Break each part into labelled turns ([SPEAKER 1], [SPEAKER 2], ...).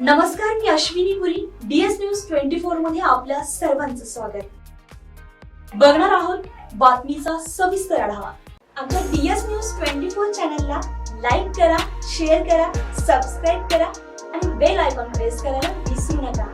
[SPEAKER 1] नमस्कार, मी Ashwini Puri. DS news 24 मध्ये आपल्या सर्वांचं स्वागत. बघणार आहोत बातमीचा सविस्तर आढावा. आमच्या DS न्यूज 24 चॅनलला लाईक करा, शेअर करा, सबस्क्राईब करा आणि बेल आयकॉन प्रेस करायला विसरू नका.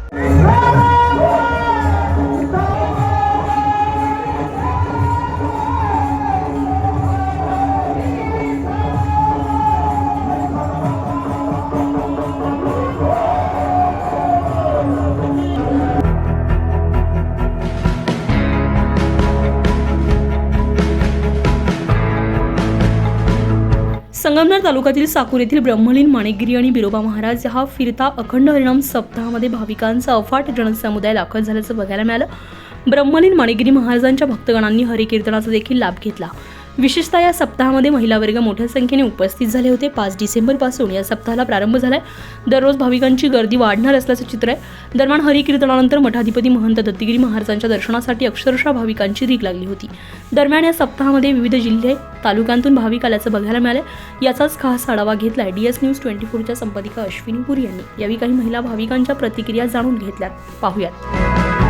[SPEAKER 2] संगमनेर तालुक्यातील साकूर येथील ब्रह्मलीन माणिकगिरी आणि बिरोबा महाराज हा फिरता अखंड हरिनाम सप्ताहामध्ये भाविकांचा अफाट जनसमुदाय दाखल झाल्याचं बघायला मिळालं. ब्रह्मलीन माणिकगिरी महाराजांच्या भक्तगणांनी हरिकीर्तनाचा देखील लाभ घेतला. विशेषतः या सप्ताहामध्ये महिला वर्ग मोठ्या संख्येने उपस्थित झाले होते. 5 डिसेंबरपासून या सप्ताहाला प्रारंभ झालाय. दररोज भाविकांची गर्दी वाढणार असल्याचं चित्र आहे. दरम्यान हरिकीर्तनानंतर मठाधिपती महंत दत्तगिरी महाराजांच्या दर्शनासाठी अक्षरशः भाविकांची रीघ लागली होती. दरम्यान या सप्ताहामध्ये विविध जिल्हे तालुक्यांतून भाविक आल्याचं बघायला मिळालं. याचाच खास आढावा घेतलाय DS न्यूज 24च्या संपादिका अश्विनी पुरी यांनी. यावेळी काही महिला भाविकांच्या प्रतिक्रिया जाणून घेतल्यात. पाहूयात.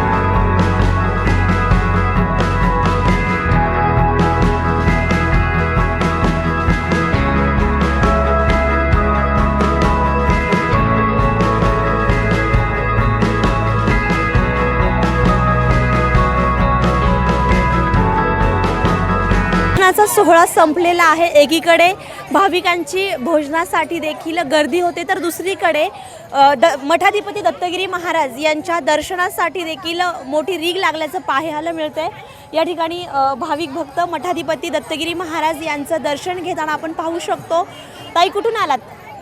[SPEAKER 3] चा सोहळा संपलेला आहे. एकीकडे भाविकांची भोजनासाठी देखील गर्दी होते, तर दुसरीकडे मठाधिपती दत्तगिरी महाराज यांच्या दर्शनासाठी देखील मोठी रीघ लागल्याचं पाहायला मिळतंय. या ठिकाणी भाविक भक्त मठाधिपती दत्तगिरी महाराज यांचं दर्शन घेताना आपण पाहू शकतो. ताई, कुठून आलात?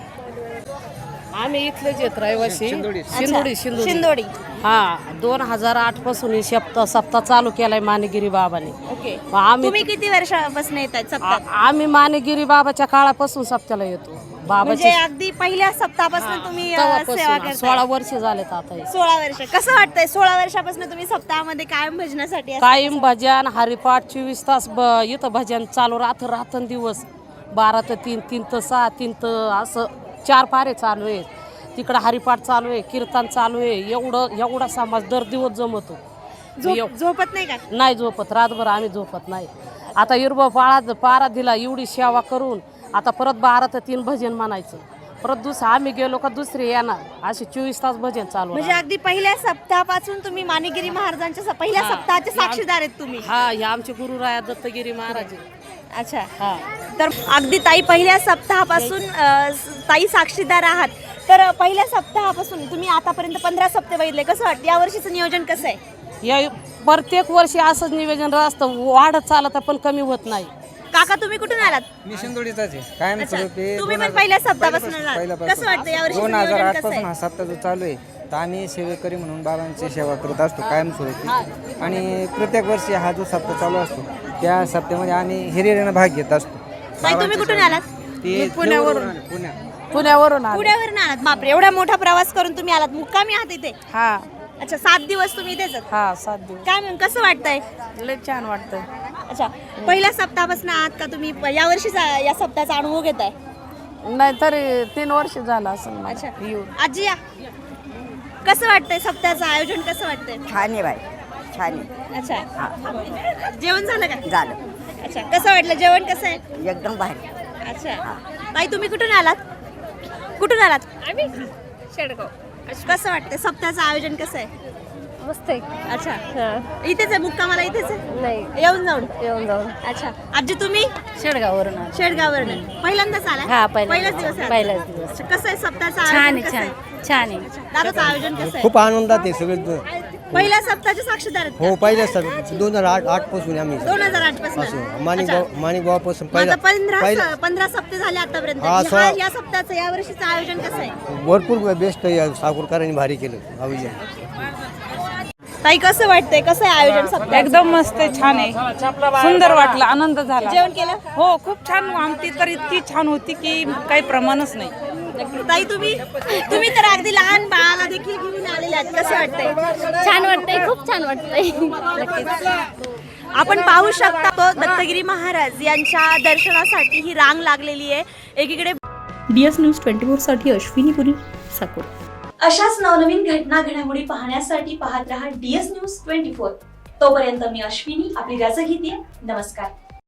[SPEAKER 4] आम्ही इथलेच येत रहिवासी
[SPEAKER 3] शिंदोडी.
[SPEAKER 4] हा, 2008 पासून ही सप्ताह चालू केलाय माणिकगिरी बाबाने.
[SPEAKER 3] ओके.
[SPEAKER 4] आम्ही
[SPEAKER 3] किती वर्षापासून येतात सप्ताहात?
[SPEAKER 4] आम्ही माणिकगिरी बाबाच्या काळापासून सप्त्याला येतो.
[SPEAKER 3] म्हणजे अगदी पहिल्या सप्ताहापासून तुम्ही सेवा करताय?
[SPEAKER 4] 16 वर्ष झालेत आता.
[SPEAKER 3] 16 वर्ष. कसं वाटतंय 16 वर्षापासून तुम्ही सप्ताहामध्ये कायम भजनासाठी असता?
[SPEAKER 4] कायम भजन, हरिपाठ 24 तास इथं भजन चालू रात्रंदिवस. 12 ते 3, 3 ते 6, 3 ते असं 4 पारे चालू आहे. तिकडं हरिपाठ चालू आहे, कीर्तन चालू आहे. एवढा समाज दर दिवस जमतो.
[SPEAKER 3] झोपत नाही का?
[SPEAKER 4] नाही झोपत. रातभर आम्ही झोपत नाही. आता इरबा पारा दिला, एवढी सेवा करून आता परत 12 ते 3 भजन म्हणायचं. परत आम्ही गेलो का दुसरे येणार. असे 24 तास भजन चालू.
[SPEAKER 3] म्हणजे अगदी पहिल्या सप्ताहापासून तुम्ही माणिकगिरी महाराजांच्या पहिल्या सप्ताहाचे साक्षीदार आहेत तुम्ही?
[SPEAKER 4] हा, हे आमचे गुरुराया दत्तगिरी महाराज.
[SPEAKER 3] अच्छा.
[SPEAKER 4] हा,
[SPEAKER 3] तर अगदी ताई पहिल्या सप्ताहापासून ताई साक्षीदार आहात. तर पहिल्या सप्ताहापासून तुम्ही आतापर्यंत 15 सप्ताह बघितले. कसं वाटतं या वर्षीचं नियोजन कसं आहे?
[SPEAKER 4] या प्रत्येक वर्षी असंच नियोजन असतं. वाढत चालत पण कमी होत नाही.
[SPEAKER 3] काका, तुम्ही कुठून आलात?
[SPEAKER 5] मी शिंदोडीचाच आहे. कायम स्वरूपी
[SPEAKER 3] तुम्ही पण पहिल्या सप्ताहापासून आलात. कसं वाटतं या वर्षी
[SPEAKER 5] 2008 पासून हा सप्ताह जो चालू आहे, तर आम्ही सेवेकरी म्हणून बाबांची सेवा करत असतो कायमस्वरूपी. आणि प्रत्येक वर्षी हा जो सप्ताह चालू असतो त्या सप्त्यामध्ये आम्ही हिरिरीने भाग घेत असतो.
[SPEAKER 3] ताई, तुम्ही कुठून आलात?
[SPEAKER 4] पुण्यावरून
[SPEAKER 3] आलात. बापरे, एवढा मोठा प्रवास करून तुम्ही आलात. मुक्कामी आहात इथे?
[SPEAKER 4] हा.
[SPEAKER 3] अच्छा, 7 दिवस तुम्ही इथेच आहात?
[SPEAKER 4] हा, 7 दिवस.
[SPEAKER 3] काय म्हणून कसं वाटतंय?
[SPEAKER 4] लय छान वाटतं.
[SPEAKER 3] अच्छा, पहिल्या सप्ताहापासून आहात का तुम्ही? या वर्षीचा या सप्ताहाचा अनुभव घेताय?
[SPEAKER 4] नाही तरी 3 वर्ष झालं असं.
[SPEAKER 3] अच्छा. आजी, या. कसं वाटतंय सप्ताहाचं आयोजन? कसं वाटतंय?
[SPEAKER 6] छान आहे बाई, छान आहे.
[SPEAKER 3] अच्छा. जेवण झालं का?
[SPEAKER 6] झालं.
[SPEAKER 3] अच्छा, कसं वाटलं? जेवण कसं आहे?
[SPEAKER 6] एकदम भारी.
[SPEAKER 3] अच्छा. ताई, तुम्ही कुठून आलात? कुठून आलात?
[SPEAKER 7] आम्ही शेडगाव.
[SPEAKER 3] कसं वाटतंय सप्ताहाचं आयोजन कसं आहे?
[SPEAKER 7] मस्त आहे.
[SPEAKER 3] अच्छा. इथेच आहे मुक्कामाला? इथेच आहे?
[SPEAKER 7] नाही,
[SPEAKER 3] येऊन जाऊन.
[SPEAKER 7] अच्छा.
[SPEAKER 3] आजी, तुम्ही?
[SPEAKER 7] शेडगाववरून
[SPEAKER 3] शेडगाववरून. पहिल्यांदाच आला?
[SPEAKER 7] हा,
[SPEAKER 3] पहिलाच दिवस आहे?
[SPEAKER 7] पहिलाच दिवस.
[SPEAKER 3] अच्छा, कसं आहे सप्ताहाचं
[SPEAKER 7] छान
[SPEAKER 3] आयोजन?
[SPEAKER 7] आहे,
[SPEAKER 3] कसं
[SPEAKER 7] छान आहे.
[SPEAKER 3] दादाचं आयोजन कसं आहे?
[SPEAKER 8] खूप आनंदात आहे सगळे.
[SPEAKER 3] पहिल्या सप्ताहाचे साक्षीदार आहेत का?
[SPEAKER 8] हो, पहिल्या 2008 पासून आम्ही
[SPEAKER 3] 2008 पासून.
[SPEAKER 8] माणिकगावापासून
[SPEAKER 3] 15 सप्ते झाले आतापर्यंत. या सप्ताहाचं या वर्षीचं आयोजन कसं आहे?
[SPEAKER 8] भरपूर बेस्ट साकूरकरांनी भारी केलं आयोजन.
[SPEAKER 3] ताई, कसं वाटतंय? कसं आहे आयोजन सप्ताह?
[SPEAKER 9] एकदम मस्त आहे, छान आहे, सुंदर वाटलं, आनंद झाला.
[SPEAKER 3] जेवण केलं?
[SPEAKER 9] हो, खूप छान. आमटी तर इतकी छान होती की काही प्रमाणच नाही.
[SPEAKER 3] ताई, तुम्ही तर अगदी लहान बाळाला देखील घेऊन आलेले आहात. कसं वाटतंय?
[SPEAKER 7] छान वाटतंय, खूप छान वाटतंय.
[SPEAKER 3] आपण पाहू शकता तो दत्तगिरी महाराज यांच्या दर्शनासाठी ही रांग लागलेली आहे. एकीकडे
[SPEAKER 2] DS न्यूज 24 साठी अश्विनी पुरी, साकूर.
[SPEAKER 1] अशाच नवनवीन घटना घडामोडी पाहण्यासाठी पाहत रहा DS न्यूज 24. तोपर्यंत मी अश्विनी आपली रजा घेते. नमस्कार.